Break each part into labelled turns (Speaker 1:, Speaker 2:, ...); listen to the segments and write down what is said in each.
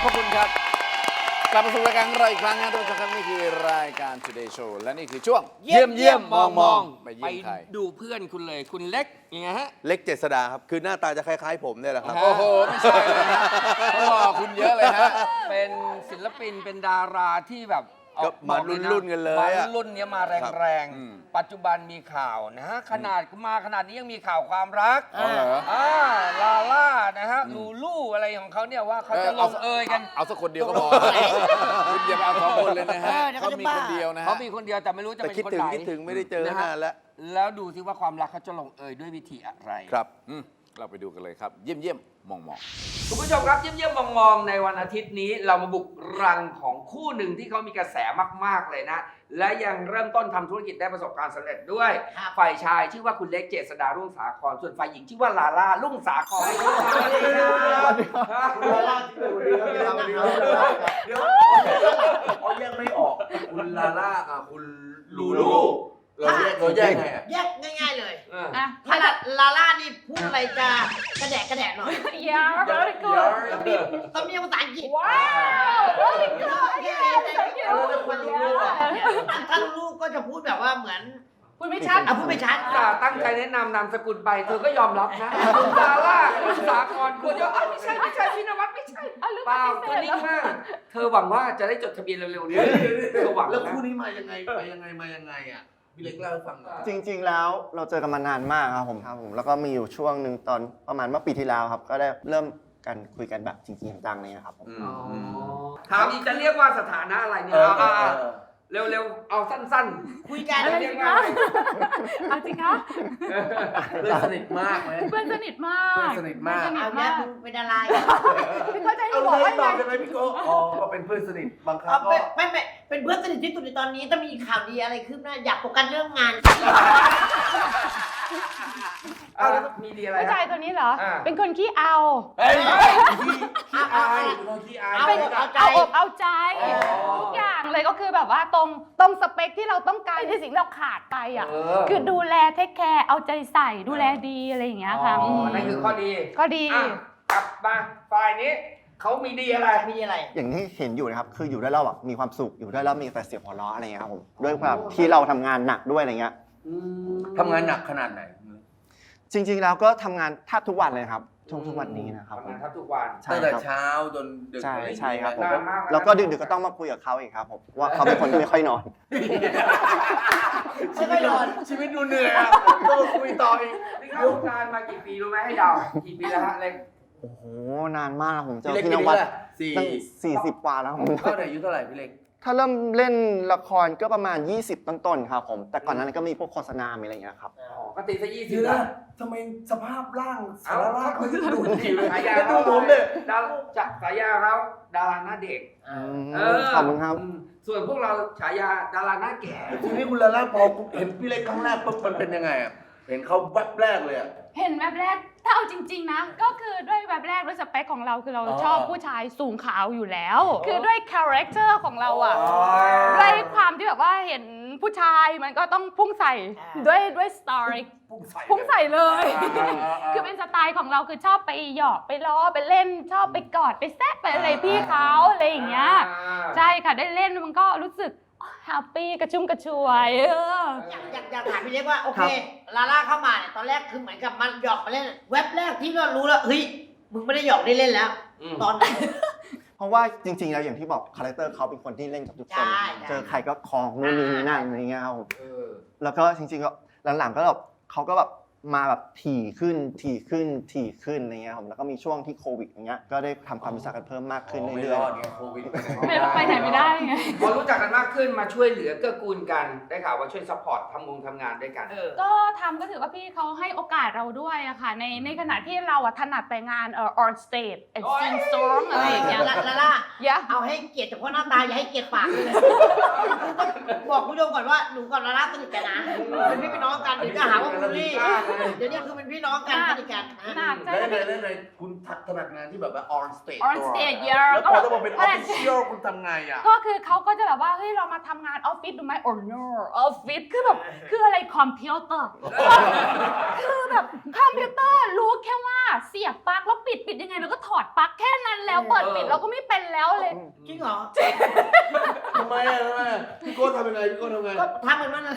Speaker 1: อบคุณครับกลับมาสู่รายการของเราอีกครั้งนะทุกท่านครับนี่คือรายการ Today Show และนี่คือช่วงเยี่ยมมองไปเยี่ยมใคร
Speaker 2: ดูเพื่อนคุณเลยคุณเล็กยังไงฮะ
Speaker 3: เล็กเจษดาครับ คือหน้าตาจะคล้ายๆผมเนี่ยแหละครับ
Speaker 1: โอ้โหไม่ใช่เลยฮะเขาบอกคุณเยอะเลยฮะ
Speaker 2: เป็นศิลปินเป็นดาราที่แบบ
Speaker 3: ก็มารุ่นๆกันเลยอะ
Speaker 2: มารุ่นเนี้ยมาแรงๆปัจจุบันมีข่าวนะฮะขนาดนี้ยังมีข่าวความรัก
Speaker 1: อ๋อเหรอ
Speaker 2: ลาล่านะฮะลูลูอะไรของเขาเนี่ยว่าเขาจะลงเอยกัน
Speaker 1: เอาสักคนเดียวก็พอคุณอย่าไปเอาสองคนเลยนะฮะเขามีคนเดียวนะฮะ
Speaker 2: เขามีคนเดียวแต่ไม่รู้จะ
Speaker 3: แต่
Speaker 2: เป็น
Speaker 3: คิด
Speaker 2: คน
Speaker 3: ถึง
Speaker 2: ไหน
Speaker 3: คิดถึงไม่ได้เจอ
Speaker 2: นะฮะ
Speaker 3: นานแล้ว
Speaker 2: แล้วดูซิว่าความรักเขาจะลงเอยด้วยวิธีอะไร
Speaker 3: ครับ
Speaker 1: เราไปดูกันเลยครับ เยี่ยมมอง
Speaker 2: คุณผู้ชมครับเยี่ยมมองในวันอาทิตย์นี้เรามาบุกรังของคู่หนึ่งที่เขามีกระแสมากๆเลยนะ และยังเริ่มต้นทำธุรกิจได้ประสบความสำเร็จด้วย ฝ่ายชายชื่อว่าคุณเล็กเจษดารุ่งสาครส่วนฝ่ายหญิงชื่อว่าลาล่ารุ่งสาคร
Speaker 4: เดี๋ยวเขาแยกไม่ออกคุณลาล่ากับคุณลูลูเราแยกไงอ่ะ
Speaker 5: แยกง่ายๆเลย
Speaker 6: อ่ะ
Speaker 5: ถ้าลาล่านี่พูดอะไรจะกระแดะหน่อย
Speaker 6: Yeah, very good.
Speaker 5: ต้องมีภาษาอังกฤษ
Speaker 6: Wow, very good. Yes, thank you.
Speaker 5: ถ้าลูกก็จะพูดแบบว่าเหมือน
Speaker 6: พูดไม่ชัด
Speaker 5: พูดไม่ชัด
Speaker 2: ตั้งใจแนะนำนามสกุลไปเธอก็ยอมรับนะคุณลาล่ารุ่งสาครคุณจะไม่ใช่พี่นวัดไม่ใช่
Speaker 6: เอาลืม
Speaker 2: เปล่า
Speaker 6: ป
Speaker 2: ตัว
Speaker 6: ฏิ
Speaker 2: นิ่
Speaker 6: เส
Speaker 2: ง
Speaker 6: ธ
Speaker 2: มากเธอหวังว่าจะได้จดทะเบียนเร็วๆนี้เธอหวัง
Speaker 4: แล้ว
Speaker 2: นะ
Speaker 4: คู่นี้มายังไงไปยังไงมายังไงอ่ะพี่เล็กเล่าให้ฟังหน่อย
Speaker 7: จริงๆ แล้วเราเจอกันมานานมากครับผมแล้วก็มีอยู่ช่วงหนึ่งตอนประมาณเมื่อปีที่แล้วครับ ก็ได้เริ่มกันคุยกันแบบจริงๆจังๆเลยครับผม
Speaker 2: ถามอีกจะเรียกว่าสถานะอะไรเนี่ยเร็วๆเอาสั้นๆ
Speaker 5: คุยกัน
Speaker 6: อะไร
Speaker 2: เรีย
Speaker 6: สิ
Speaker 2: กว่า
Speaker 6: คะเอาสิคะ
Speaker 4: เพื่อนสนิทมากไหม
Speaker 6: เพื่อนสนิทมาก
Speaker 4: เพื่อนสนิทมาก
Speaker 6: เพื่อนสนิ
Speaker 5: เอา
Speaker 6: ท
Speaker 5: แม่
Speaker 6: มาก
Speaker 5: มึงเป็นอะไร
Speaker 6: พี่เข้าใจหนู
Speaker 4: เอา
Speaker 6: บอก
Speaker 4: เล
Speaker 6: ว่าย
Speaker 4: ตอบ
Speaker 6: ไง
Speaker 4: ได้ไหมพี่โก้อ๋อก็เป็นเพื่อนสนิทบางครั้
Speaker 5: เอา
Speaker 4: งก็
Speaker 5: ไม่เป็นเพื่อนสนิทที่สุดในตอนนี้ถ้ามีข่าวดีอะไรขึ้นหน้าอยากโฟกัสเรื่องงาน
Speaker 2: แล้วมีดีอะไร
Speaker 6: ผู้ชายตัวนี้เหรอ เป็นคนขี้เอา
Speaker 4: เฮ้ยขี้อายขี้อาย
Speaker 5: เอา
Speaker 6: เป็น
Speaker 5: เอาใจ
Speaker 6: เอาอกเอาใจ
Speaker 4: อ๋อ
Speaker 6: ทุกอย่างเลยก็คือแบบว่าตรงสเปคที่เราต้องการในสิ่งที่เราขาดไปอ่ะ คือดูแลเทคแคร์เอาใจใส่ดูแลดีอะไรอย่างเงี้ยค่ะ
Speaker 2: นั่นคือข้อดี
Speaker 6: ก็ดี
Speaker 2: กลับมาฝ่ายนี้เขามีดีอะไร
Speaker 5: มีอะไร
Speaker 7: อย่างที่เห็นอยู่นะครับคืออยู่ด้วยเราแบบมีความสุขอยู่ด้วยแล้วมีแต่เสียงหัวเราะอะไรเงี้ยครับผมด้วยความที่เราทำงานหนักด้วยอะไรเงี้ย
Speaker 4: ทำงานหนักขนาดไหน
Speaker 7: จริงๆ แล้วก็ทำงานแทบทุกวันเลยครับทุกวันนี้นะครับผ
Speaker 2: ทำ
Speaker 7: ม
Speaker 2: งานทุกวัน
Speaker 7: ใช่
Speaker 4: ตั้งแต่
Speaker 7: ครับ
Speaker 4: เช้าจนดึก
Speaker 7: ใช่ครับผม
Speaker 2: นานมาก
Speaker 7: แล้วก็ดึกๆก็ต้องมาคุยกับเขาอีกครับผมว่าเขาเป็นคนที่ไม่ค่อยนอน
Speaker 5: ไม่ค่อยนอน
Speaker 4: ชีวิตดูเหนื่อยอ่ะต้องคุยต่ออีก
Speaker 2: นี่เข้าวงการมากี่ปีรู้ไหมให้เดากี่ปีแล้วฮะเล็ก
Speaker 7: โอ้โหนานมากผมเจอ
Speaker 4: พี่เล็ก
Speaker 7: พี่
Speaker 4: ปี
Speaker 7: น
Speaker 4: นี้
Speaker 7: วัด
Speaker 4: แหละสี่
Speaker 7: ตั้ง40 กว่าแล้วผม
Speaker 4: เท่าไหร่อายุเท่าไหร่พี่เล็ก
Speaker 7: ถ้าเริ่มเล่นละครก็ประมาณ 20 ต้นๆครับผมแต่ก่อนนั้นก็มีพวกโฆษณามีอะไรอย่างเงี้ยครับ
Speaker 2: ก็ตีซะ20
Speaker 4: เดี๋ยว
Speaker 2: ละ
Speaker 4: นะทำไมสภาพร่างสารร่างเขาจะดูดีเลย
Speaker 2: ฉายา
Speaker 4: แล้วดู
Speaker 2: เขา
Speaker 4: ผมเนี่ย
Speaker 2: ดาจากฉายาเขาดาราหน้าเด็ก
Speaker 7: ขอบคุณครับ
Speaker 2: ส่วนพวกเราฉายาดาราหน้าแก่
Speaker 4: ทีนี้คุณลาล่าพอเห็นพี่เล็กครั้งแรกปุ๊บมันเป็นยังไงอ่ะเห็นเขาแวบแรกเลยอ่ะ
Speaker 6: เห็นแบบแรกถ้าเอาจริงๆนะก็คือด้วยแบบแรกด้วยสเปคของเราคือเราชอบผู้ชายสูงขาวอยู่แล้ว คือด้วยคาแรคเตอร์ของเราอ่ะด้วยความที่แบบว่าเห็นผู้ชายมันก็ต้องพุ่งใส่ด้วยสไตล์พุ่งใส่เลย คือเป็นสไตล์ของเราคือชอบไปหยอกไปล้อไปเล่นชอบไปกอดไปแซะไปอะไรพี่เขาอะไรอย่างเงี้ยใช่ค่ะได้เล่นมันก็รู้สึกแฮปปี้กระชุ่มกระชวย
Speaker 5: อยากถามพี่เล็กว่าโอเคลาล่าเข้ามาเนี่ยตอนแรกคือเหมือนกับมันหยอกมาเล่นเว็บแรกที่เรารู้แล้วเฮ้ยมึงไม่ได้หยอกได้เล่นแล้ว ตอนไหน
Speaker 7: เพราะว่าจริงๆ แล้วอย่างที่บอกคาแรคเตอร์เขาเป็นคนที่เล่นกับทุกคน
Speaker 5: ใช่
Speaker 7: เจอใครก็คลองนู่นนี่นั่นอะไรเงี้ยครับผมแล้วก็จริงๆก็หลังๆก็แบบเขาก็แบบมาแบบถี่ขึ้นอะไรเงี้ยผมแล้วก็มีช่วงที่โควิดอย่างเงี้ยก็ได้ทำความรู้จักกันเพิ่มมากขึ้น
Speaker 4: ไม่
Speaker 7: เรื่
Speaker 4: ร
Speaker 7: อย
Speaker 4: อดไงโควิด
Speaker 6: ไปไหนไม่ได้ไง
Speaker 2: พอรู้จักกันมากขึ้นมาช่วยเหลือเกื้อกูลกันได้ข่าวว่าช่วยซัพพอร์ตทำงานด้วยกัน
Speaker 6: ก็ทำก็ถือว่าพี่เขาให้โอกาสเราด้วยอะค่ะในขณะที่เราอะถนัดแต่งานon stage and sing song อะไรอย่างเงี้ย
Speaker 5: ลาล่า
Speaker 6: อย่า
Speaker 5: เอาให้เกียรติเฉพาะหน้าตาอย่าให้เกียรติปากเลยบอกคุณผู้ชมก่อนว่าหนูกับลาล่าสนิทกันนะเป็นพี่เป็นน้องกันเดี๋ยวจะหาว่าบูลลี่เดี๋ยวนี้คือเป็นพี่น้องกันสนิทกันนะ
Speaker 6: หนักใจ
Speaker 4: แล้ว
Speaker 6: นะ
Speaker 4: ในคุณถนัดงานที่แบบว่า on stage
Speaker 6: On stage เยอะ
Speaker 4: แล้วพอจะมาเป็น official คุณทำไงอ่ะ
Speaker 6: ก็คือเขาก็จะแบบว่าเฮ้ยเรามาทำงานออฟฟิศดูไหม or no ออฟฟิศคือแบบคืออะไรคอมพิวเตอร์คือแบบคอมพิวเตอร์รู้แค่ว่าเสียบปลั๊กแล้วปิดยังไงแล้วก็ถอดปลั๊กแค่นั้นแล้วเปิดปิดเราก็ไม่เป็นแล้วเลย
Speaker 5: จริงเหรอ
Speaker 4: ทำไมอ่ะพี่โก้ทำยังไงพี่โก้ทำไง
Speaker 5: ก็ทำเหมือนมันนะ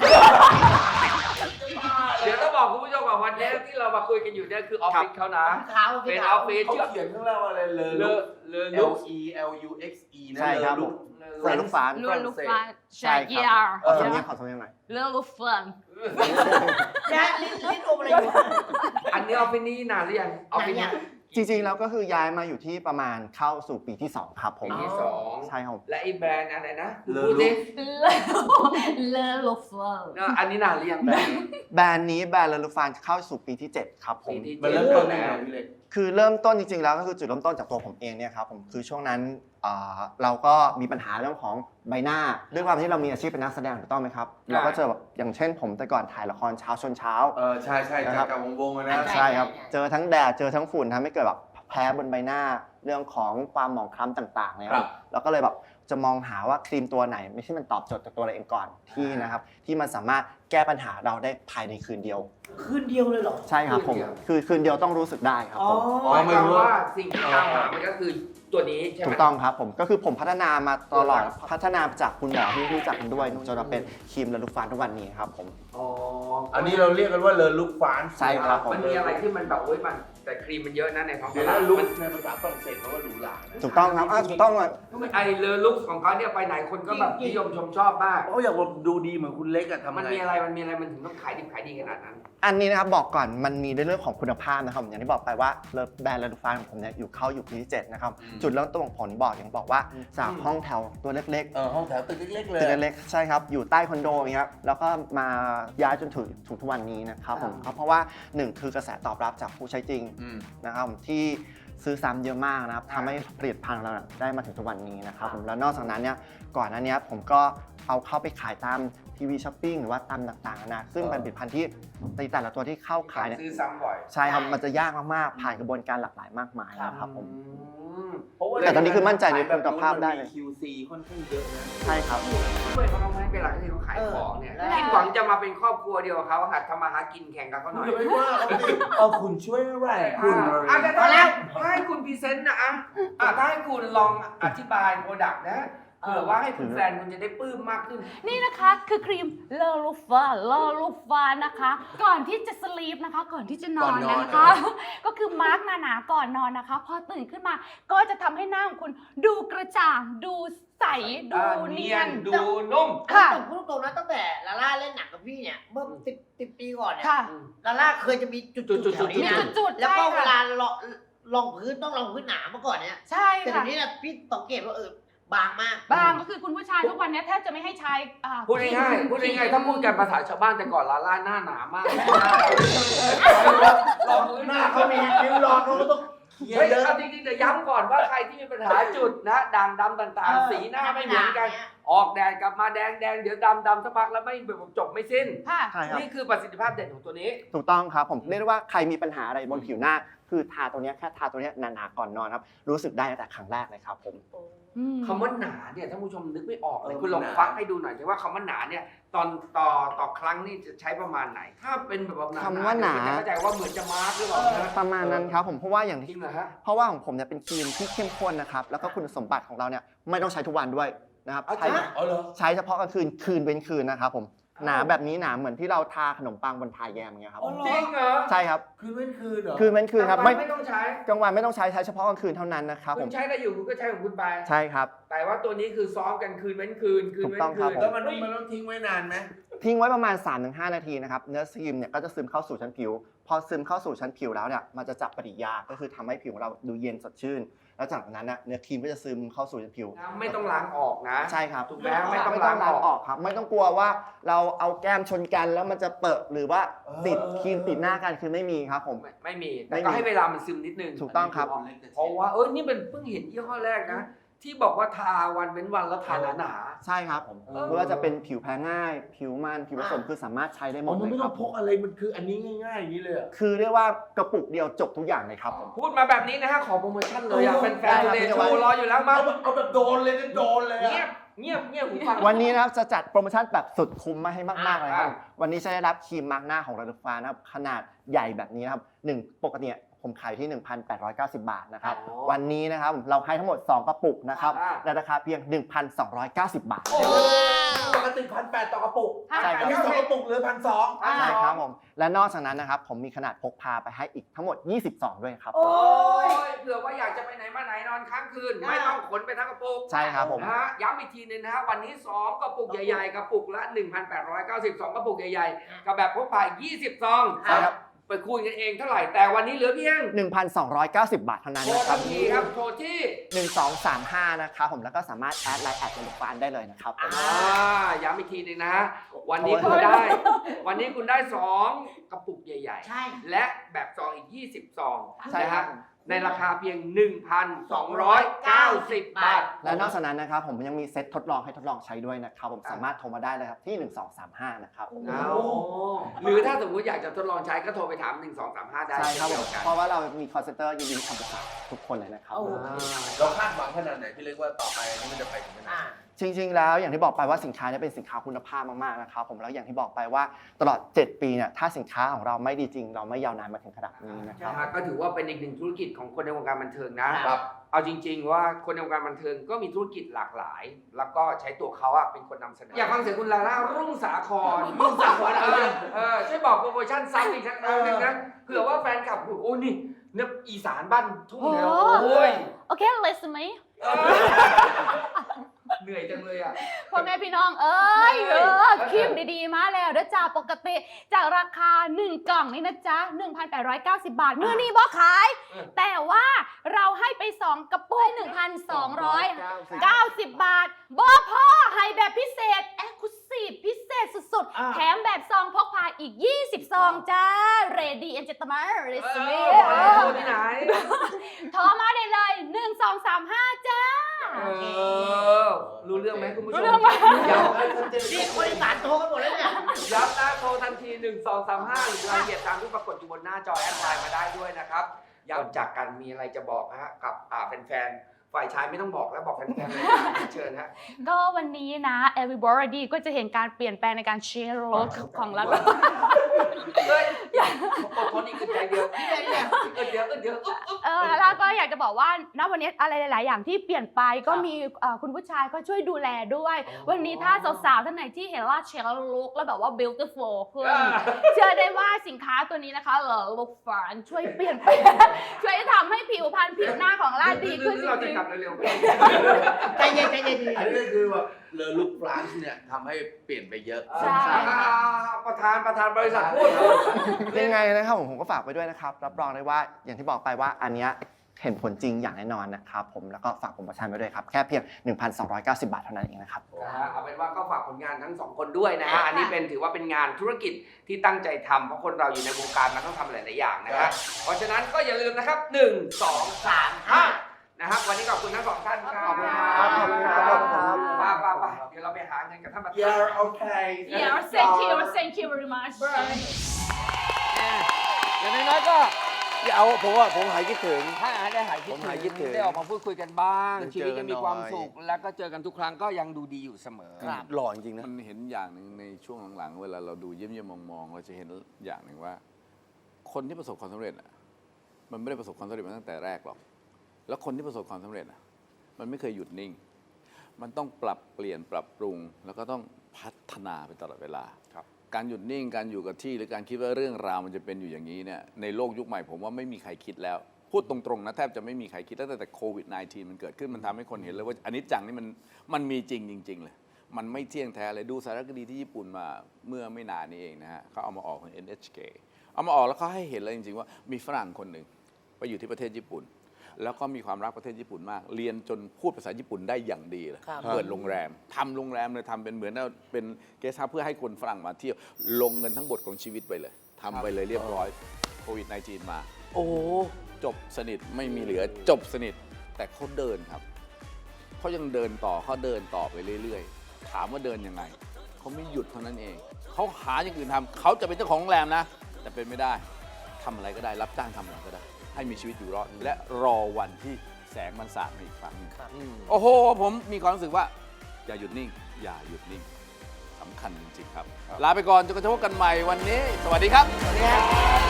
Speaker 2: เดี๋ยวต้องบอกคุณผู้ชมก่อนวันนี้ที่เรามาคุยกันอยู่เนี่ยคือออฟฟิศเขานะ
Speaker 5: ขาว
Speaker 2: เป็น
Speaker 5: ขา
Speaker 2: อ
Speaker 5: ว
Speaker 2: อฟฟิศ
Speaker 4: เขา
Speaker 2: ชื่อ
Speaker 4: เขียนข้างล่างว่าอะไรเลอ
Speaker 2: เล
Speaker 4: ลุ
Speaker 2: อก เลอลุก
Speaker 4: L U X E นะ
Speaker 7: ใช่ครับ
Speaker 4: เลอลุก
Speaker 7: ใส่ลูกฟ้า
Speaker 6: ลูลูฟัน
Speaker 7: ใช่
Speaker 6: ใช่
Speaker 7: ครับ
Speaker 6: ยา
Speaker 7: ขอสำเนียงขอสำเนียงหน่อย
Speaker 6: ลูฟัน
Speaker 5: แจ๊ลิ้นอมอะไรอยู่
Speaker 2: อันนี้ออฟฟิศนี้นานหรือยังออฟฟิศนี้
Speaker 7: จริงๆแล้วก็คือย้ายมาอยู่ที่ประมาณเข้าสู่ปีที่ 2 ครับผม
Speaker 2: ปีที่สอง
Speaker 7: ใช่ครับ
Speaker 2: และไอ้แบรนด์อะไรนะ
Speaker 4: เลอ
Speaker 2: พูด
Speaker 4: ลุ
Speaker 2: ดิ
Speaker 4: ก
Speaker 6: เลลูฟัน
Speaker 2: อันนี้นานหรือยังแบรนด์
Speaker 7: แบรนด์นี้แบรนด์เลลูฟานเข้าสู่ปีที่ 7 ครับผ
Speaker 2: ปี
Speaker 7: ม
Speaker 2: ที่
Speaker 4: มันเริ่มต้นยังไงพี่เล็ก
Speaker 7: คือเริ่มต้นจริงๆแล้วก็คือจุดเริ่มต้นจากตัวผมเองเนี่ยครับผมคือช่วงนั้นเราก็มีปัญหาเรื่องของใบหน้าด้วยความที่เรามีอาชีพเป็นนักแสดงถูกต้องไหมครับเราก็เจอแบบอย่างเช่นผมแต่ก่อนถ่ายละครเช้าชนเช้า
Speaker 4: ใช่จากกับวงๆนะ
Speaker 7: ใช่ครับเจอทั้งแดดเจอทั้งฝุ่นทำให้เกิดแบบแพ้บนใบหน้าเรื่องของความหมองคล้ำต่างๆเนี่ยครับแล้วก็เลยแบบจะมองหาว่าครีมตัวไหนไม่ใช่มันตอบโจทย์กับตัวเราเองก่อนที่นะครับที่มันสามารถแก้ปัญหาเราได้ภายในคืนเดียว
Speaker 5: คืนเดียวเลยเหรอ
Speaker 7: ใช่ครับผมคือคืนเดียวต้องรู้สึกได้ครับผม
Speaker 2: หมายความว่าสิ่งที่ตามหามันก็คือตัวนี้ใช่ไหม
Speaker 7: ถูกต้องครับผมก็คือผมพัฒนามาตลอดพัฒนาจากคุณหมอที่รู้จักกันด้วยจนมาเป็นครีมและลูกฟันทุกวันนี้ครับผม
Speaker 2: อ๋อ
Speaker 4: อันนี้เราเรียกกันว่าเลอลุกฟาน
Speaker 7: ใช่ครับผม
Speaker 2: มันมีอะไรที่มันแบบโอ้ยมันแต่ครีมมันเยอะนะในท้องต
Speaker 4: เดี๋ยว
Speaker 2: ลา
Speaker 4: นะ
Speaker 2: ด
Speaker 4: ลุก
Speaker 2: มัน
Speaker 4: ในภาษาฝรั่งเศสเขาว่าหรูหรานะ
Speaker 7: ถูกต้องครับถูกต้องเลย
Speaker 2: ไอเลอลุกของเขาเนี่ยไปไหนคนก็แบบนิยมชมชอบมาก
Speaker 4: เขาอยากดูดีเหมือนคุณเล็กอะทำไง
Speaker 2: มันมีอะไรมันถึงต้องขายดิบขายดีขนาดนั้น
Speaker 7: อันนี้นะครับบอกก่อนมันมีในเรื่องของคุณภาพนะครับอย่างที่บอกไปว่าแบรนด์เลลูฟานของผมเนี่ยอยู่ปีที่7นะครับจุดเริ่มต้นของผลบอกอย่างบอกว่าจากห้องแถวตัวเล็กๆ
Speaker 4: ห้องแถวตึกเล็กๆเลย
Speaker 7: ตึกเล็กๆใช่ครับอยู่ใต้คอนโดอย่างเงี้ยแล้วก็มาย้ายจนถึงทุกวันนี้นะครับผมเพราะว่า1คือกระแสตอบรับจากผู้ใช้จริงนะครับที่ซื้อซ้ำเยอะมากนะครับทำให้ผลิตภัณฑ์เราได้มาถึงทุกวันนี้นะครับผมแล้วนอกจากนั้นเนี่ยก่อนหน้านี้ผมก็เอาเข้าไปขายตามทีวีช้อปปิ้งหรือว่าตามต่างๆนะซึ่งเป็นผลิตภัณฑ์ที่ในแต่ละตัวที่เข้าขายเนี่ย
Speaker 2: ซื้อซ้ำบ่อย
Speaker 7: ใช่ครับมันจะยากมากๆผ่านกระบวนการหลากหลายมากมายนะครับผม
Speaker 4: เพราะว่า
Speaker 7: แต่ตอนนี้คือมั่นใจในคุณภาพได้เลย
Speaker 4: มันมี QC ค่อนข้างเยอะนะ
Speaker 7: ใช่ครับ
Speaker 2: เพื่อนเขาทำให้เวลาที่เขาขายของเนี่ยคิดหวังจะมาเป็นครอบครัวเดียวกับเขาหัดทำมาหากินแข่งกับเขาหน่อย
Speaker 4: อย่าไปว่าเขาดิคุณช่วยอะไรคุณ
Speaker 2: แต่ถ้าแล้วให้คุณพรีเซนต์นะถ้าให้คุณลองอธิบายโปรดักต์นะเผื่อว่าให้คุณแฟนคุณจะได้ปลื้มมากขึ้น
Speaker 6: นี่นะคะคือครีมเลลูฟานะคะ ก่อนที่จะสลีปนะคะ ก่อนที่จะนอนนะคะ ก็คือมาร์กหนาๆก่อนนอนนะคะ พอตื่นขึ้นมาก็จะทำให้หน้าของคุณดูกระจ่าง ดูใส ดูเนียน
Speaker 2: ดูนุ่ม
Speaker 6: ค่ะ
Speaker 5: แต่พูดตรงนะตั้งแต่ลาล่าเล่นหนังกับพี่เนี่ยเมื่อ10 ปีก่อนเนี่ย
Speaker 6: ค่ะ
Speaker 5: ลาล่าเคยจะมีจุดๆแถว
Speaker 6: มี
Speaker 5: นี้นะ
Speaker 6: จุดๆ
Speaker 5: แล้ว
Speaker 6: ใช่
Speaker 5: ก็เว
Speaker 6: ค่ะ
Speaker 5: ลาลองพื้นต้องลองพื้นหนาเมื่อก่อนเนี่ย
Speaker 6: ใช่
Speaker 5: แต่
Speaker 6: ค่ะ
Speaker 5: เดี๋ยวนี้นะพี่สังเกตว่าบางมาก
Speaker 6: บางก็คือคุณผู้ชายทุกวันนี้แทบจะไม่ให้ใช้
Speaker 2: พูดง่ายๆถ้าพูดกันภาษาชาวบ้านแต่ก่อนลาล่าหน้าหนามาก
Speaker 4: ลองหน้าเขามีคิ้วรอเขาก็ต้องเขียน
Speaker 2: เฮ้ย
Speaker 4: เยอะ
Speaker 2: เอาจริงๆแต่ย้ำก่อนว่าใครที่มีปัญหาจุดนะด่างดำต่างๆ สีหน้าไม่เหมือนกัน ออกแดดกลับมาแดงเดี๋ยวดำสักพักแล้วไม่จบไม่สิ้น
Speaker 6: ค่ะ
Speaker 7: ใช่ครับ
Speaker 2: นี่คือประสิทธิภาพเด่นของตัวนี้
Speaker 7: ถูกต้องครับผมเรียกได้ว่าใครมีปัญหาอะไรบนผิวหน้า คือทาตัวเนี้ยแค่ทาตัวเนี้ยหนาๆก่อนนอนครับรู้สึกได้ตั้งแต่ครั้งแรกเลยครับผม
Speaker 2: คำว่าหนาเนี่ยท่านผู้ชมนึกไม่ออกเลยคุณลองฟังให้ดูหน่อยสิว่าคำว่าหนาเนี่ยตอนต่อครั้งนี่จะใช้ประมาณไหน ถ้าเป็นแบบหนา
Speaker 7: คำว่าหนา
Speaker 2: จะเข้าใจว่าเหมือนจะมาร์กหรือเปล่านะ
Speaker 7: ประมาณนั้นครับผมเพราะว่าอย่าง
Speaker 2: จริ
Speaker 7: ที่
Speaker 2: งเหรอฮะ
Speaker 7: เพราะว่าของผมเนี่ยเป็นครีมที่เข้มข้นนะครับแล้วก็คุณสมบัติของเราเนี่ยไม่ต้องใช้ทุกวันด้วยนะครับ
Speaker 2: เอา
Speaker 7: ใช้
Speaker 2: จริง
Speaker 4: อ๋อเหรอ
Speaker 7: ใช้เฉพาะกลางคืนคืนเว้นคืนนะครับผมหนาแบบนี้หนาเหมือนที่เราทาขนมปังบนทาแยมอย่างเงี้ยครับ
Speaker 4: อ๋อเหรอ
Speaker 2: จริงเหรอ
Speaker 7: ใช่ครับ
Speaker 4: คืนเว้นคืนเหรอ
Speaker 7: คืนเว้นคืนครับ
Speaker 2: ไม่ต้องใช้
Speaker 7: กลางวันไม่ต้องใช้เฉพาะกลางคืนเท่านั้นนะครับผ
Speaker 2: คุ
Speaker 7: ม
Speaker 2: ณใช้ได้อยู่คุณก็ใช้ของคุณไป
Speaker 7: ใช่ครับ
Speaker 2: แต่ว่าตัวนี้คือซ้อมกันคืนเว้นคืน
Speaker 7: ถูกต้องครับผม
Speaker 4: แล้วมันต้องทิ้งไว้นานไหม
Speaker 7: ทิ้งไว้ประมาณ 3-5 นาทีนะครับเนื้อครีมเนี่ยก็จะซึมเข้าสู่ชั้นผิว พอซึมเข้าสู่ชั้นผิวแล้วเนี่ยมันจะจับปฏิกิริยาก็คือทำให้ผิวของเราดูเย็นสดชื่น แล้วจากนั้นนะเนื้อครีมก็จะซึมเข้าสู่ชั้นผิว
Speaker 2: ไม่ต้องล้างออกนะ
Speaker 7: ใช่ครับ
Speaker 2: ถูกไหมไม่ต้อง
Speaker 7: ไม่
Speaker 2: ล้า
Speaker 7: ต้อง ง
Speaker 2: อ
Speaker 7: ล้าง
Speaker 2: อก
Speaker 7: ออกครับไม่ต้องกลัวว่าเราเอาแก้มชนกันแล้วมันจะเปิดหรือว่าติดครีมติดหน้ากันคือไม่มีครับผม
Speaker 2: ไม่มี
Speaker 7: ไม่
Speaker 2: แต่
Speaker 7: มี
Speaker 2: ก็ให้เวลามันซึมนิดนึง
Speaker 7: ถูกต้องครับ
Speaker 2: เพราะว่านี่เป็นเพิ่งเห็นยี่ห้อแรกนะที่บอกว่าทาวันเว้นวันแล้วทาหนา
Speaker 7: ใช่ครับไม่ว่าจะเป็นผิวแพ้ง่าย ผิวมันผิวผสมคือสามารถใช้ได้หม
Speaker 4: อ๋อ
Speaker 7: ด
Speaker 4: มัน
Speaker 7: เลย
Speaker 4: ไม่
Speaker 7: ค
Speaker 4: ต้
Speaker 7: รั
Speaker 4: อบ งพกอะไรมันคืออันนี้ง่ายๆอย่างนี้เลยอะ
Speaker 7: คือเรียกว่ากระปุกเดียวจบทุกอย่างเลยครับผม
Speaker 2: ๆพูดมาแบบนี้นะฮะขอโปรโมชั่นเลยอ่ะแฟน
Speaker 7: ได้
Speaker 2: ๆ
Speaker 7: ครับ
Speaker 2: เดโชว์รออยู่แล้วมา
Speaker 4: เอาแบบโดนเลยนะโดนเลย
Speaker 2: เงีย
Speaker 4: อะ
Speaker 2: บเงียบเงียบหูฟัง
Speaker 7: วันนี้นะครับจะจัดโปรโมชั่นแบบสุดคุ้มมาให้มากๆเลยครับ
Speaker 2: อ่า
Speaker 7: วันนี้จะได้รับครีมมาร์กหน้าของระดับฟ้านะครับขนาดใหญ่แบบนี้นะครับปกติเนี่ยผมขายที่ 1,890 บาทนะครับ
Speaker 2: อ๋อ
Speaker 7: วันนี้นะครับเราให้ทั้งหมด 2 กระปุกนะครับ
Speaker 2: อ่า
Speaker 7: ในราคาเพียง 1,290 บาท
Speaker 2: โอ้โห
Speaker 4: ปกติ1,800ต่อกระปุก
Speaker 7: ใช่ครับ
Speaker 4: อันนี้2กระปุกเหลือ1,200
Speaker 7: ใช่ครับผมและนอกจากนั้นนะครับผมมีขนาดพกพาไปให้อีกทั้งหมด 20 ซองด้วยครับ
Speaker 2: โอ้ยเผื่อว่าอยากจะไปไหนมาไหนนอนค้างคืน ไม่ต้องขนไปทั้งกระปุก
Speaker 7: ใช่ครับผม
Speaker 2: นะฮะย้ำอีกทีนึงนะฮะวันนี้ 2 กระปุกใหญ่ๆ กระปุกละ 1,892 กระปุกใหญ่ๆ กับแบบพกพา20 ซอง
Speaker 7: ใช่ครับ
Speaker 2: ไปคุยกันเองเท่าไหร่ แต่วันนี้เหลือเพียง
Speaker 7: 1,290 บาทเท่านั้น
Speaker 2: โทร
Speaker 7: นะค
Speaker 2: ทั
Speaker 7: รับ
Speaker 2: นทีครับโทรที่
Speaker 7: 1235 นะครับผมแล้วก็สามารถแอดไลน์แอดระดับฟ้าได้เลยนะครับผม
Speaker 2: ย้ำอีกทีหนึงนะฮะวันนี้คุณได้ วันนี้คุณได้ 2 กระปุกใหญ่
Speaker 5: ใช่
Speaker 2: ๆ และแบบซองอีก 20 ซอง
Speaker 7: ใช่
Speaker 2: นะ
Speaker 7: ครั
Speaker 2: ฮะ
Speaker 7: บ
Speaker 2: ในราคาเพียง 1,290 บาท
Speaker 7: และนอกจากนั้นนะครับผมยังมีเซ็ตทดลองให้ทดลองใช้ด้วยนะครับผมสามารถโทรมาได้เลยครับที่ 1235 นะครับ
Speaker 2: เอาหรือถ้าสมมุติอยากจะทดลองใช้ก็โทรไปถาม 1235 ได้
Speaker 7: ใช่ครับผ
Speaker 2: เช่น
Speaker 7: ม
Speaker 2: เดียวกัน
Speaker 7: เพราะว่าเรามีคอนเซนเตอร์ยินดีทำประสานทุกคนเลยนะครับ
Speaker 4: เราคาดหวังขนาดไหนพี่เล็กว่าต่อไปอันนี้มันจะไปถึงขนาดไหน
Speaker 7: จริงๆ แล้วอย่างที่บอกไปว่าสินค้าเนี่ยเป็นสินค้าคุณภาพมากๆ นะครับผมแล้วอย่างที่บอกไปว่าตลอด 7 ปีเนี่ยถ้าสินค้าของเราไม่ดีจริง เราไม่ยาวนานมาถึงขนาดนี้นะครับ
Speaker 2: นะฮะก็ถือว่าเป็นอีกหนึ่งธุรกิจของคนในวงการบันเทิงนะ
Speaker 4: ครับ
Speaker 2: เอาจริง ๆ ว่าคนในวงการบันเทิงก็มีธุรกิจหลากหลาย แล้วก็ใช้ตัวเขาอะเป็นคนนำเสนออยากฟังเสียงคุณลาล่ารุ่งสาครช่วยบอกโปรโมชั่นซ้ำอีกสักครั้งหนึงนะเผื่อว่าแฟนคลับโอ้นี่เนี่ยอีสานบ้านทุ่งเนี่ยโอ้ย
Speaker 6: โอเค listen me
Speaker 2: เหนื่อยจังเลยอ่ะ
Speaker 6: พ่อแม่พี่น้องเอ้ยครีมดีๆ มาแล้วเด้อจ้าปกติจากราคา 1 กล่องนี่นะจ๊ะ 1,890 บาทมื้อนี้บ่ขาย แต่ว่าเราให้ไป 2 กระปุก 1,290 บาทบ่พอให้แบบพิเศษ Exclusive พิเศษสุดๆ แถมแบบซองพกพาอีก 20 ซองจ้า Ready and gentlemen listen me
Speaker 2: โทรที่ไหน
Speaker 6: โทรมาได้เลย 1235 จ้า
Speaker 2: รู้เรื่องไหมคุณผู้ชม
Speaker 6: รู้เรื่องไหม
Speaker 2: ย้
Speaker 5: นี่คนอีสานโทรกันหมดแล้วเนี่ย
Speaker 2: ำย้ำนะโทรทันที 1235 หรือรายละเอียดตามที่ปรากฏอยู่บนหน้าจอแอดไลน์มาได้ด้วยนะครับย้ำจากกันมีอะไรจะบอกฮะกับแฟนๆ ฝ่ายชายไม่ต้องบอกแล้วบอกแฟนๆเลยเชิญฮะ
Speaker 6: ก็วันนี้นะ everybody ก็จะเห็นการเปลี่ยนแปลงในการเชียร์รถของเรา
Speaker 2: เฮ้ยอดทนอีกอึดใจเดียวอึดเดียวอึ๊บ
Speaker 6: แล้วก็อยากจะบอกว่าณวันนี้อะไรหลาย ๆ อย่างที่เปลี่ยนไปก็มีคุณผู้ชายก็ช่วยดูแลด้วย วันนี้ถ้าสาว ๆ ท่านไหนที่เห็นว่าเชียร์ลุกแล้วแบบว่า beautiful ขึ้นเชื่อได้ว่าสินค้าตัวนี้นะคะlook fun ช่วยเปลี่ยนแปลงช่วยทำให้ผิวพรรณผิวหน้าของเราดีขึ้นจ
Speaker 2: เราจะ
Speaker 6: ริง
Speaker 2: กลับเร็ว
Speaker 5: ใจเย็นใจเย็น
Speaker 4: อันนี้ก็คือแบบเลอลุกฟรานซ์เนี่ยทำให้เปลี่ยนไปเยอะ
Speaker 6: ใช่
Speaker 2: ประธานบริษัทพูด
Speaker 7: ยังไงนะครับผมก็ฝากไปด้วยนะครับรับรองได้ว่าอย่างที่บอกไปว่าอันเนี้ยเห็นผลจริงอย่างแน่นอนนะครับผมแล้วก็ฝากโปรโมชั่นไว้ด้วยครับแค่เพียง 1,290 บาทเท่านั้นเองนะครับ
Speaker 2: เอาเป็นว่าก็ฝากผลงานทั้งสองคนด้วยนะฮะ อันนี้ถือว่าเป็นงานธุรกิจที่ตั้งใจทำเพราะคนเราอยู่ในวงการมันต้องทำหลายๆอย่างนะฮะ เพราะฉะนั้นก็อย่าลืมนะครับ 1 2 3 5 นะครับวันนี้ขอบคุณทั้งสองท่านครับ
Speaker 7: ขอบคุณครับขอบคุณครับขอบคุณครับ
Speaker 2: ไปเดี๋ยวเราไปหาเงินกับท่านประธาน
Speaker 4: Yeah okay
Speaker 6: yeah thank you very much
Speaker 3: อย่างน้อยๆก็อย่าเอาผมหายคิดถึง
Speaker 2: ถ้าได้หายคิด
Speaker 3: ผมหายคิดถึง
Speaker 2: ได้ออกมาพูดคุยกันบ้าง
Speaker 3: ได้
Speaker 2: ชี
Speaker 3: เจ
Speaker 2: วิ
Speaker 3: อ
Speaker 2: ต
Speaker 3: กั
Speaker 2: ยั
Speaker 3: น
Speaker 2: งมีความ
Speaker 3: หน่อย
Speaker 2: สุข แล้วก็เจอกันทุกครั้งก็ยังดูดีอยู่เสมอ
Speaker 3: หล่อจริงๆนะ
Speaker 1: มันเห็นอย่างหนึ่งในช่วงหลังๆเวลาเราดูเยี่ยมๆมองๆเราจะเห็นอย่างหนึ่งว่า คนที่ประสบความสำเร็จอ่ะมันไม่ได้ประสบความสำเร็จมาตั้งแต่แรกหรอก แล้วคนที่ประสบความสำเร็จอ่ะมันไม่เคยหยุดนิ่ง มันต้องปรับเปลี่ยนปรับปรุง แล้วก็ต้องพัฒนาไปตลอดเวลาการหยุดนิ่งการอยู่กับที่หรือการคิดว่าเรื่องราวมันจะเป็นอยู่อย่างนี้เนี่ยในโลกยุคใหม่ผมว่าไม่มีใครคิดแล้ว พูดตรงๆนะแทบจะไม่มีใครคิดแล้วแต่โควิด -19 มันเกิดขึ้นมันทำให้คนเห็นเลยว่าอนิจจังนี่มันมีจริงๆเลยมันไม่เที่ยงแท้เลยดูสารคดีที่ญี่ปุ่นมาเมื่อไม่นานนี้เองนะฮะเขาเอามาออกของ NHK เอามาออกแล้วเขาให้เห็นเลยจริงๆว่ามีฝรั่งคนหนึ่งไปอยู่ที่ประเทศญี่ปุ่น แล้วก็มีความรักประเทศญี่ปุ่นมาก เรียนจนพูดภาษาญี่ปุ่นได้อย่างดีเลยเปิดโรงแรมทำโรงแรมเลยทำเป็นเหมือนเป็นเกสต์เฮาส์เพื่อให้คนฝรั่งมาเที่ยวลงเงินทั้งหมดของชีวิตไปเลยทำไปเลยเรียบร้อยโควิด -19 มาโอ้จบสนิทไม่มีเหลือจบสนิทแต่เขาเดินครับเขายังเดินต่อเขาเดินต่อไปเรื่อยๆถามว่าเดินยังไงเขาไม่หยุดเท่านั้นเองเขาหาอย่างอื่นทำเขาจะเป็นเจ้าของโรงแรมนะแต่เป็นไม่ได้ทำอะไรก็ได้รับจ้างทำอะไรก็ได้ให้มีชีวิตอยู่รอดและรอวันที่แสงมันสาดมาอีกครั้งหนึ่งโอ้โหผมมีความรู้สึกว่าอย่าหยุดนิ่งอย่าหยุดนิ่งสำคัญจริงๆครับลาไปก่อนจนกระทั่งพบกันใหม่วันนี้สวัสดีครับ